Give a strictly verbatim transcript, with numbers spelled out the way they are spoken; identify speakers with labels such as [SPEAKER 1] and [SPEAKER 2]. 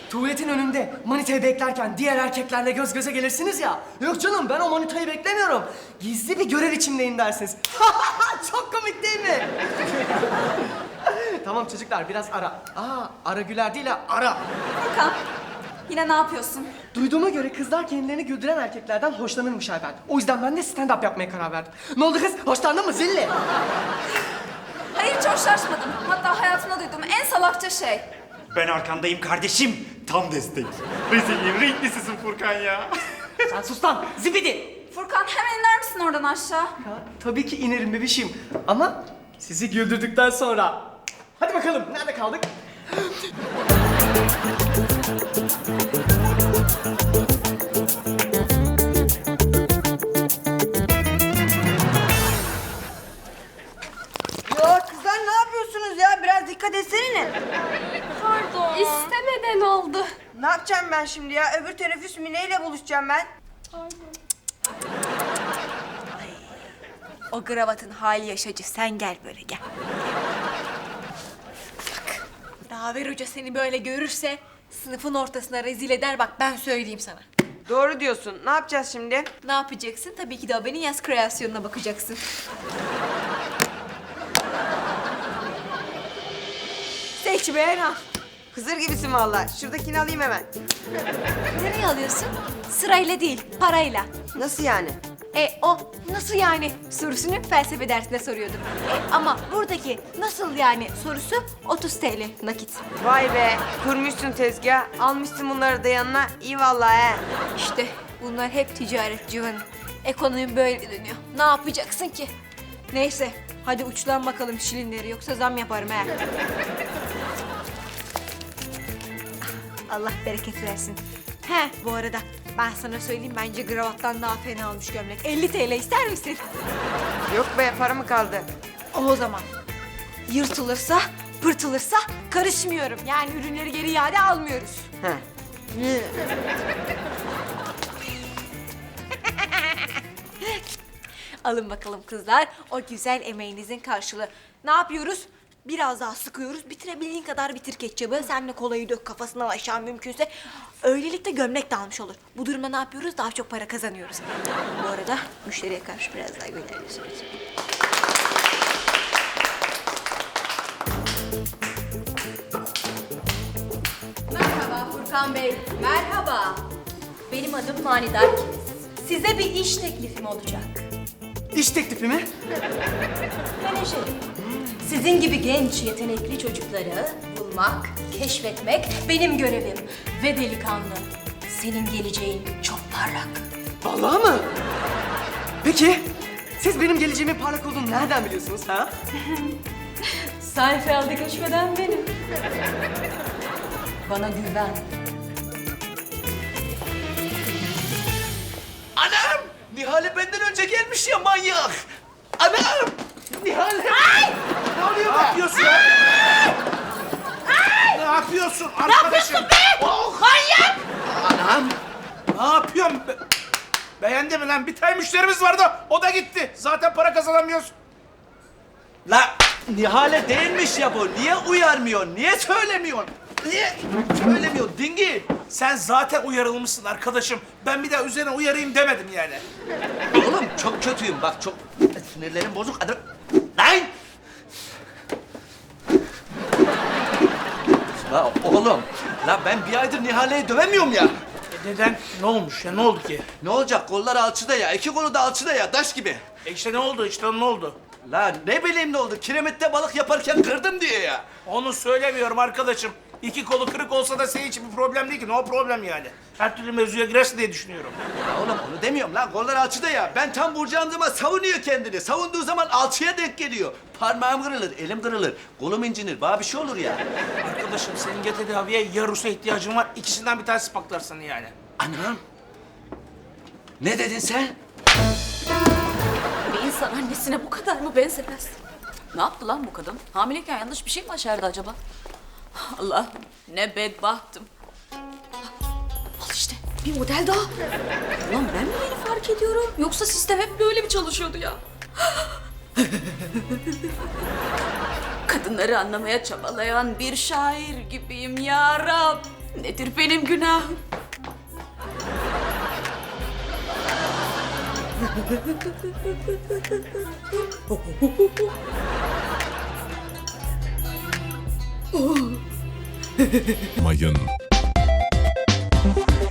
[SPEAKER 1] tuvaletin önünde manitayı beklerken diğer erkeklerle göz göze gelirsiniz ya. Yok canım, ben o manitayı beklemiyorum. Gizli bir görev içindeyim dersiniz. Çok komik değil mi? Tamam çocuklar, biraz ara. Aa, ara güler değil ha, ara.
[SPEAKER 2] Furkan, yine ne yapıyorsun?
[SPEAKER 1] Duyduğuma göre kızlar kendilerini güldüren erkeklerden hoşlanırmış Ayben. O yüzden ben de stand-up yapmaya karar verdim. Ne oldu kız? Hoşlandın mı zilli?
[SPEAKER 2] Hayır, hiç hoşlaşmadım. Hatta hayatımda duyduğum en salakça şey.
[SPEAKER 3] Ben arkandayım kardeşim. Tam destek. Rezilliğin renklisisin Furkan ya.
[SPEAKER 1] Sen sus lan, zibidi!
[SPEAKER 2] Furkan, hemen iner misin oradan aşağı?
[SPEAKER 1] Ya, tabii ki inerim bebişim. Ama sizi güldürdükten sonra. Hadi bakalım, nerede kaldık?
[SPEAKER 4] Ya kızlar ne yapıyorsunuz ya? Biraz dikkat etsene.
[SPEAKER 2] Pardon. İstemeden oldu.
[SPEAKER 4] Ne yapacağım ben şimdi ya? Öbür teneffüs Mine ile buluşacağım ben. Ay, o kravatın hali yaşacı. Sen gel böyle gel. Bak. Daver Hoca seni böyle görürse sınıfın ortasına rezil eder, bak ben söyleyeyim sana.
[SPEAKER 5] Doğru diyorsun. Ne yapacağız şimdi?
[SPEAKER 4] Ne yapacaksın? Tabii ki de Aben'in yaz kreasyonuna bakacaksın. Seç beğen al.
[SPEAKER 5] Hızır gibisin vallahi. Şuradakini alayım hemen.
[SPEAKER 4] Nereye alıyorsun? Sırayla değil, parayla.
[SPEAKER 5] Nasıl yani?
[SPEAKER 4] E o nasıl yani sorusunu felsefe dersinde soruyordum. E, ama buradaki nasıl yani sorusu otuz T L nakit.
[SPEAKER 5] Vay be. Kurmuşsun tezgah. Almışsın bunları da yanına. İyi vallahi he.
[SPEAKER 4] İşte bunlar hep ticaret Civan'ım. Ekonomi böyle dönüyor. Ne yapacaksın ki? Neyse hadi uçlan bakalım şilinleri, yoksa zam yaparım he. Allah bereket versin. He bu arada ben sana söyleyeyim, bence kravattan daha fena olmuş gömlek. elli T L ister misin?
[SPEAKER 5] Yok be, para mı kaldı?
[SPEAKER 4] O zaman yırtılırsa, pırtılırsa karışmıyorum. Yani ürünleri geri iade almıyoruz.
[SPEAKER 5] He.
[SPEAKER 4] Alın bakalım kızlar, o güzel emeğinizin karşılığı. Ne yapıyoruz? Biraz daha sıkıyoruz. Bitirebildiğin kadar bitir ketçabı. Sen de kolayı dök kafasından aşağı mümkünse. Öylelikle gömlek de almış olur. Bu durumda ne yapıyoruz? Daha çok para kazanıyoruz. Bu arada müşteriye karşı biraz daha güler yüzlüyüz.
[SPEAKER 6] Merhaba Furkan Bey, merhaba. Benim adım Manidar Kilis. Size bir iş teklifim olacak.
[SPEAKER 1] İş teklifi mi?
[SPEAKER 6] Menajerim. Sizin gibi genç, yetenekli çocukları bulmak, keşfetmek benim görevim. Ve delikanlı, senin geleceğin çok parlak.
[SPEAKER 1] Vallahi mı? Peki, siz benim geleceğimin parlak olduğunu nereden biliyorsunuz ha?
[SPEAKER 6] Seinfeld'e göçmeden benim. Bana güven.
[SPEAKER 7] Anam! Nihale benden önce gelmiş ya manyak! Anam! Nihale! Ne oluyor? Ne yapıyorsun ya? Ne yapıyorsun arkadaşım? Ne yapıyorsun be? Oh! Manyak! Anam! Ne yapıyorsun? Be Beğendi mi lan? Bir tane müşterimiz vardı. O da gitti. Zaten para kazanamıyoruz.
[SPEAKER 8] La Nihale değilmiş ya bu. Niye uyarmıyorsun? Niye söylemiyorsun? Niye söylemiyorsun dingi?
[SPEAKER 7] Sen zaten uyarılmışsın arkadaşım. Ben bir daha üzerine uyarayım demedim yani.
[SPEAKER 8] Oğlum çok kötüyüm bak, çok sinirlerim bozuk. Adam... Lan! La oğlum, la ben bir aydır Nihale'yi dövemiyorum ya.
[SPEAKER 7] E neden? Ne olmuş ya? Ne oldu ki?
[SPEAKER 8] Ne olacak? Kolları alçıda ya, iki kolu da alçıda ya, taş gibi.
[SPEAKER 7] E işte ne oldu? İşte ne oldu?
[SPEAKER 8] La ne bileyim ne oldu? Kiremitte balık yaparken kırdım diye ya.
[SPEAKER 7] Onu söylemiyorum arkadaşım. İki kolu kırık olsa da senin için bir problem değil ki. No problem yani. Her türlü mevzuya girersin diye düşünüyorum.
[SPEAKER 8] Ya oğlum onu demiyorum lan. Kollar alçıda ya. Ben tam vuracağım savunuyor kendini. Savunduğu zaman alçıya denk geliyor. Parmağım kırılır, elim kırılır, kolum incinir. Bana bir şey olur ya.
[SPEAKER 7] Arkadaşım senin ya tedaviye ya Rus'a ihtiyacın var. İkisinden bir tanesi paklar seni yani.
[SPEAKER 8] Anam. Ne dedin sen?
[SPEAKER 9] Bir insan annesine bu kadar mı benzemez? Ne yaptı lan bu kadın? Hamileyken yanlış bir şey mi başardı acaba? Allah, ne bedbahtım. Al işte, bir model daha. Ulan ben mi yeni fark ediyorum? Yoksa sistem hep böyle mi çalışıyordu ya? Kadınları anlamaya çabalayan bir şair gibiyim ya Rab. Nedir benim günahım?
[SPEAKER 10] Mayın.